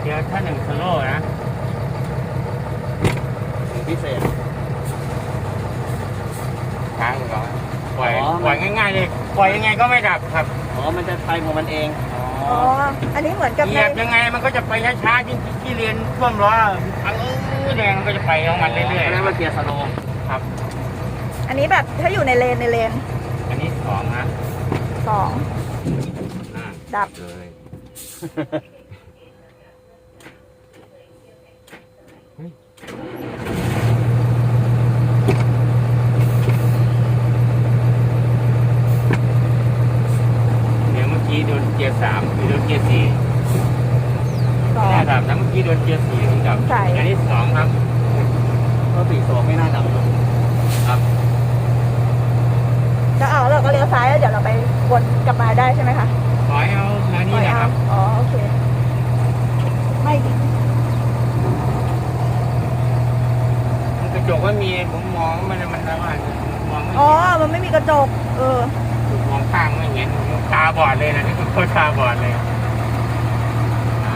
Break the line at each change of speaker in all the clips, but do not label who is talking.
เดี๋ยวถ้า1 สโลว์นะ
พิเศษ
ค้างก่อนปล่อยง่ายๆเลยปล่อยยังไงก็ไม่ดับครับ
อ๋อมันจะไปของมันเอง
อ๋อ อันนี้เหมือนกับ
เห
ใน
ยียบยังไงมันก็จะไปช้าๆที่เรียนท่วมล้ออังแดงมันก็จะไปของมันเรื่อย
เรียกว่าเกียร์สโลว์
ๆครับ
อันนี้แบบถ้าอยู่ในเลน
อันนี้2นะ
สอง ดับ
เลยเดี๋ยวเมื่อกี้โดนเกียร์3โดนเกียร์4
สอง
แน่ดับนะเมื่อกี้โดนเกียร์4ถึงดับ
ใช่
อันนี้2ครับ
ก็4 ไม่น่าดับเนอะ
ครับ
ก็เอาเราก็เลี้ยวซ้ายแล้วเดี๋ยวเราไปวนกลับมาได้ใช่ไหมคะ
ขอให้เอาทางนี้นะครับ
อ๋อ โอเค ไม่ดิ
กระจกว่ามีผมมองมันแล้วว่ามองไม่
อ๋อ
เห็น
มันไม่มีกระจก
มองข้างไม่เห็นตาบอดเลยนะนี่คือคนตาบอดเลยอ่า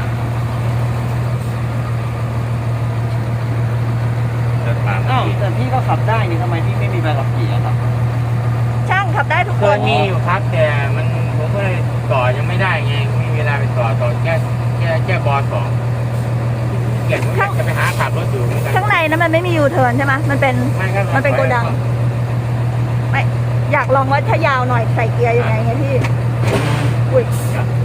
เดินตาม
อ้าวแต่พี่ก็ขับได้นี่ทำไมพี่ไม่มีใบขับขี่อะครับ
ช่างขับได้ทุก
เค
ค
ย
น
มีอยู่ครับแต่มันผมก็เลยต่อยังไม่ได้ไงไม่มีเวลาไปต่อแค่บอ2เกียรผมอยากจะไปหาขับรถอยู่เหมือนกัน
ข้างในนั้นมันไม่มียูเทิร์นใช่ไหมมันเป็น
ไม่ครับ
มันเป็นโกดัง ไม่ อยากลองว่าถ้ายาวหน่อยใส่เกียร์ยังไงไงพี่ อุ้ย
ครับ